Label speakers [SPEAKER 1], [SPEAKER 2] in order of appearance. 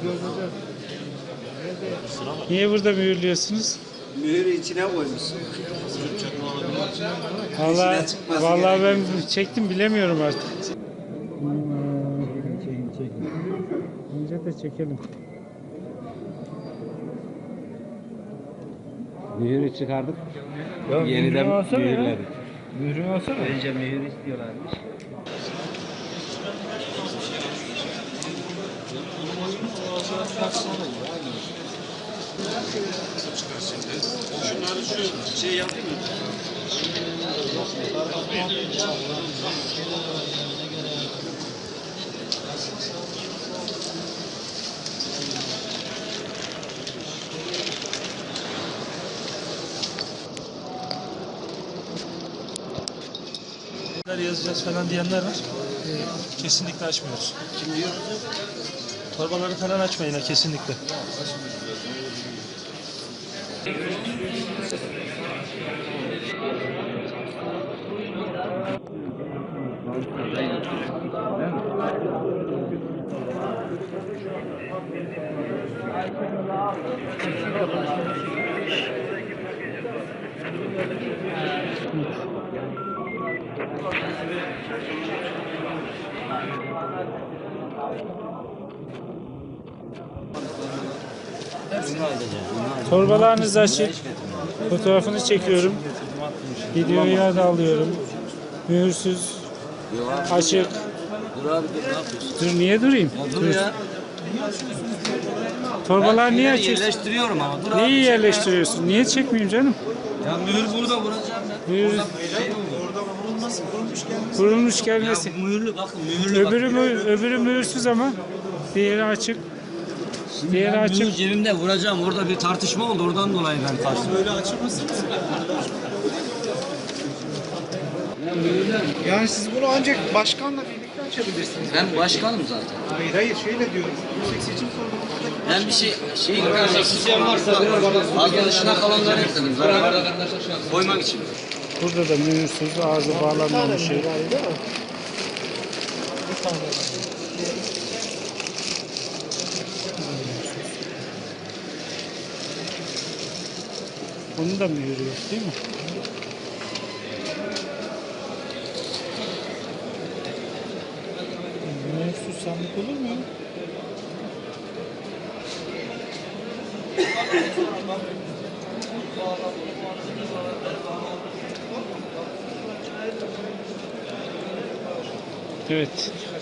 [SPEAKER 1] Niye burada mühürlüyorsunuz?
[SPEAKER 2] Mühürü içine koymuşsun.
[SPEAKER 1] Vallahi ben çektim bilemiyorum artık. Önce de çekelim.
[SPEAKER 3] Mühürü çıkardık.
[SPEAKER 1] Yok,
[SPEAKER 3] Yeniden mühürledik.
[SPEAKER 1] Mührün olsa mı?
[SPEAKER 3] Önce mühür istiyorlarmış.
[SPEAKER 2] Şunları şu şey yapayım mı?
[SPEAKER 4] Yazacağız falan diyenler var. Kesinlikle açmıyoruz.
[SPEAKER 2] Kim diyor?
[SPEAKER 4] Torbaları falan açmayın ha, kesinlikle.
[SPEAKER 1] Torbalarınızı açık. Fotoğrafını çekiyorum. Videoyu da alıyorum. Mühürsüz. Açık.
[SPEAKER 3] Dur abi dur, ne yapıyorsun?
[SPEAKER 1] Dur niye durayım?
[SPEAKER 3] Ya dur ya.
[SPEAKER 1] Torbalar niye
[SPEAKER 3] Ben
[SPEAKER 1] açık?
[SPEAKER 3] yerleştiriyorum ama dur abi.
[SPEAKER 1] Neyi yerleştiriyorsun? Niye çekmeyeyim canım?
[SPEAKER 3] Ya mühür burada vuracağım ben.
[SPEAKER 1] Mühür kurulmuş gelmesi.
[SPEAKER 3] Ya mühürlü bakın mühürlü
[SPEAKER 1] Öbürü mühürsüz ama diğeri açık. Diğeri açık.
[SPEAKER 3] Mühür cebimde vuracağım. Orada bir tartışma oldu. Oradan dolayı ben kaçtım.
[SPEAKER 4] Böyle açır mısınız?
[SPEAKER 5] Yani siz bunu ancak başkanla birlikte açabilirsiniz.
[SPEAKER 3] Ben başkanım zaten.
[SPEAKER 5] Hayır şöyle diyorum. Yüksek Seçim Kurulu'nda
[SPEAKER 3] Ben bir şey az dışına kalanları ekledim. Koymak için.
[SPEAKER 1] Burada da mühürsüz ağzı bağlanmamış şey. Onun da mühürü yok değil mi? Mühürsüz sandık olur mu? Evet.